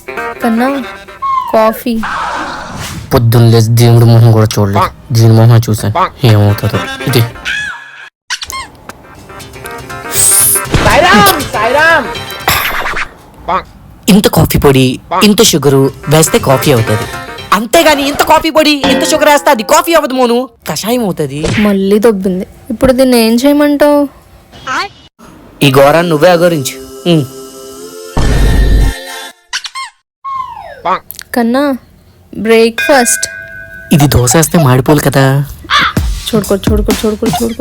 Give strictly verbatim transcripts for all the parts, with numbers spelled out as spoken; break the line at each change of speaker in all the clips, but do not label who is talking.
కన్నా కాఫీ.
పొద్దున్న లేచి దేవుడి మొహం కూడా చూడలేదు, దీని మొహం చూసాను ఏమవుతుందో. ఇది ఇంత కాఫీ పొడి ఇంత షుగరు వేస్తే కాఫీ అవుతుంది, అంతేగాని ఇంత కాఫీ పొడి ఇంత షుగర్ వేస్తే అది కాఫీ అవ్వదు మోను, కషాయం అవుతుంది.
మళ్ళీ దొబ్బింది. ఇప్పుడు దీన్ని ఏం చేయమంటావు?
ఈ ఘోరాన్ని నువ్వే అగోరించు.
కన్నా బ్రేక్ఫాస్ట్.
ఇది దోశ వేస్తే మాడిపోలు కదా.
చూడుకో చూడుకో చూడుకో చూడుకో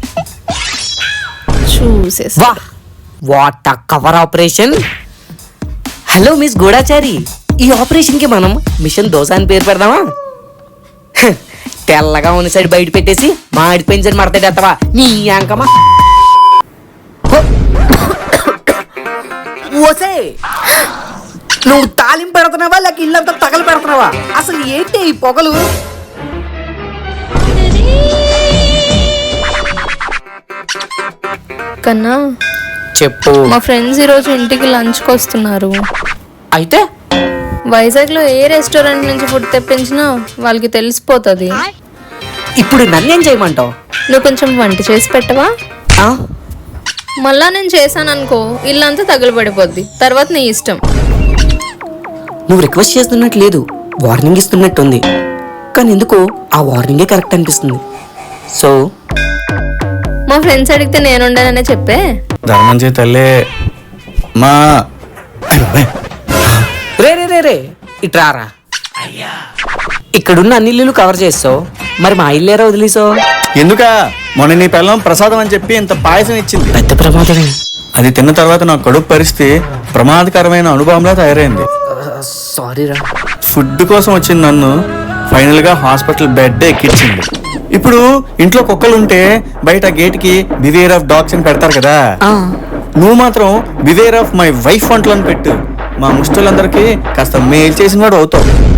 చూసేసి.
వా what a cover operation. Hello miss గూఢాచారి, ఈ ఆపరేషన్ కి మనం మిషన్ దోశ అని పేరు పెడదామా? తెల్లగా ఉన్న సైడ్ బయట పెట్టేసి మాడి పెంచని మడతాడేస్తావా నీ యాంకమా? ఓసే, నువ్వు తాలింపు పెడుతున్నావా లేక ఇల్లంతా తగలు పెడుతున్నావా? అసలు ఏంటి ఈ పొగలు?
కన్నా
చెప్పు.
మా ఫ్రెండ్స్ ఈరోజు ఇంటికి లంచ్కి వస్తున్నారు.
అయితే
వైజాగ్లో ఏ రెస్టారెంట్ నుంచి ఫుడ్ తెప్పించినా వాళ్ళకి తెలిసిపోతుంది.
ఇప్పుడు నన్నేం చేయమంటావు?
నువ్వు కొంచెం వంట చేసి పెట్టవా?
ఆ?
మళ్ళా నేను చేశాను అనుకో, ఇల్లంతా తగులుపడిపోద్ది, తర్వాత నీ ఇష్టం.
నువ్వు రిక్వెస్ట్ చేస్తున్నట్టు లేదు, వార్నింగ్ ఇస్తున్నట్టుంది. కానీ ఎందుకో ఆ వార్నింగే కరెక్ట్ అనిపిస్తుంది. సో
మా ఫ్రెండ్స్ అడిగితే నేను ఉండననే చెప్పే.
ధర్మం చే తల్లే మా
రే రే రే రే ఇట్రారా. ఇక్కడున్న అన్ని ఇల్లు కవర్ చేస్తావు, మరి మా ఇల్లేరా వదిలేసావు?
ఎందుకా? మొన్న నీ పిల్లం ప్రసాదం అని చెప్పి ఇంత పాయసం ఇచ్చింది.
పెద్ద ప్రమాదమే.
అది తిన్న తర్వాత నా కడుపు పరిస్థితి ప్రమాదకరమైన అనుభవంలా తయారైంది.
సారీ రా.
ఫుడ్ కోసం వచ్చింది నన్ను ఫైనల్ గా హాస్పిటల్ బెడ్ ఎక్కించింది. ఇప్పుడు ఇంట్లో కుక్కలు ఉంటే బయట గేట్ కి బివేర్ ఆఫ్ డాగ్స్ అని పెడతారు కదా, నువ్వు మాత్రం బివేర్ ఆఫ్ మై వైఫ్ వంటలను పెట్టు. మా ముష్టిలందరికీ కాస్త మేలు చేసిన వాడు అవుతావు.